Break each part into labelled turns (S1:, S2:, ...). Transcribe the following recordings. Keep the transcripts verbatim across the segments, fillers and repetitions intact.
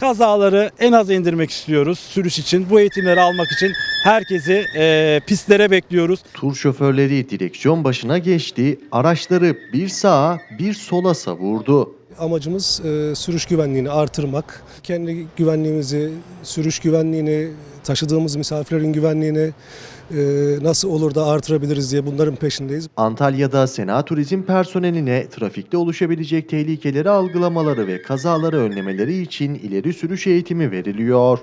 S1: Kazaları en aza indirmek istiyoruz sürüş için. Bu eğitimleri almak için herkesi e, pistlere bekliyoruz.
S2: Tur şoförleri direksiyon başına geçti, araçları bir sağa bir sola savurdu.
S3: Amacımız e, sürüş güvenliğini artırmak. Kendi güvenliğimizi, sürüş güvenliğini, taşıdığımız misafirlerin güvenliğini e, nasıl olur da artırabiliriz diye bunların peşindeyiz.
S2: Antalya'da Sena Turizm personeline trafikte oluşabilecek tehlikeleri algılamaları ve kazaları önlemeleri için ileri sürüş eğitimi veriliyor.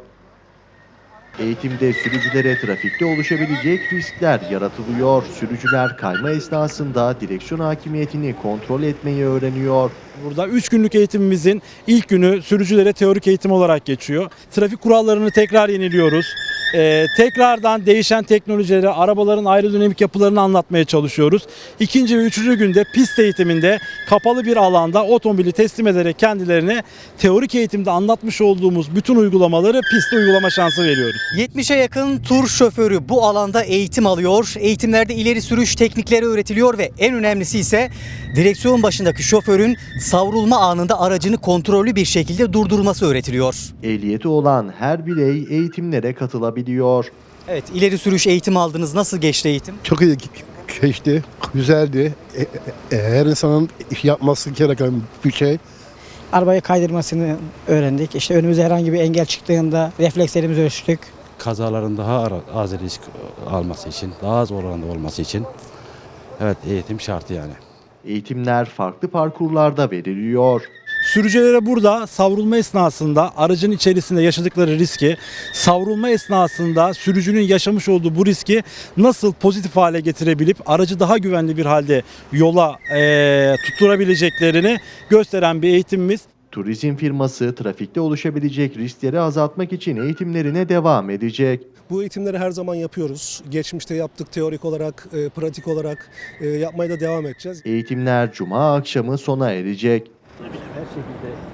S2: Eğitimde sürücülere trafikte oluşabilecek riskler yaratılıyor. Sürücüler kayma esnasında direksiyon hakimiyetini kontrol etmeyi öğreniyor.
S1: Burada üç günlük eğitimimizin ilk günü sürücülere teorik eğitim olarak geçiyor. Trafik kurallarını tekrar yeniliyoruz. Ee, tekrardan değişen teknolojileri, arabaların aerodinamik yapılarını anlatmaya çalışıyoruz. İkinci ve üçüncü günde pist eğitiminde kapalı bir alanda otomobili teslim ederek kendilerine teorik eğitimde anlatmış olduğumuz bütün uygulamaları pistte uygulama şansı veriyoruz.
S4: yetmişe yakın tur şoförü bu alanda eğitim alıyor. Eğitimlerde ileri sürüş teknikleri öğretiliyor ve en önemlisi ise direksiyon başındaki şoförün savrulma anında aracını kontrollü bir şekilde durdurması öğretiliyor.
S2: Ehliyeti olan her birey eğitimlere katılabiliyor.
S4: Evet, ileri sürüş eğitimi aldınız. Nasıl geçti eğitim?
S5: Çok iyi geçti, güzeldi. E, e, Her insanın yapması gereken bir şey.
S6: Arabayı kaydırmasını öğrendik. İşte önümüze herhangi bir engel çıktığında reflekslerimizi ölçtük.
S7: Kazaların daha az risk alması için, daha az oranda olması için evet eğitim şartı yani.
S2: Eğitimler farklı parkurlarda veriliyor.
S1: Sürücülere burada savrulma esnasında aracın içerisinde yaşadıkları riski, savrulma esnasında sürücünün yaşamış olduğu bu riski nasıl pozitif hale getirebilip aracı daha güvenli bir halde yola e, tutturabileceklerini gösteren bir eğitimimiz.
S2: Turizm firması trafikte oluşabilecek riskleri azaltmak için eğitimlerine devam edecek.
S3: Bu eğitimleri her zaman yapıyoruz. Geçmişte yaptık teorik olarak, e, pratik olarak e, yapmaya da devam edeceğiz.
S2: Eğitimler Cuma akşamı sona erecek.
S1: Her şekilde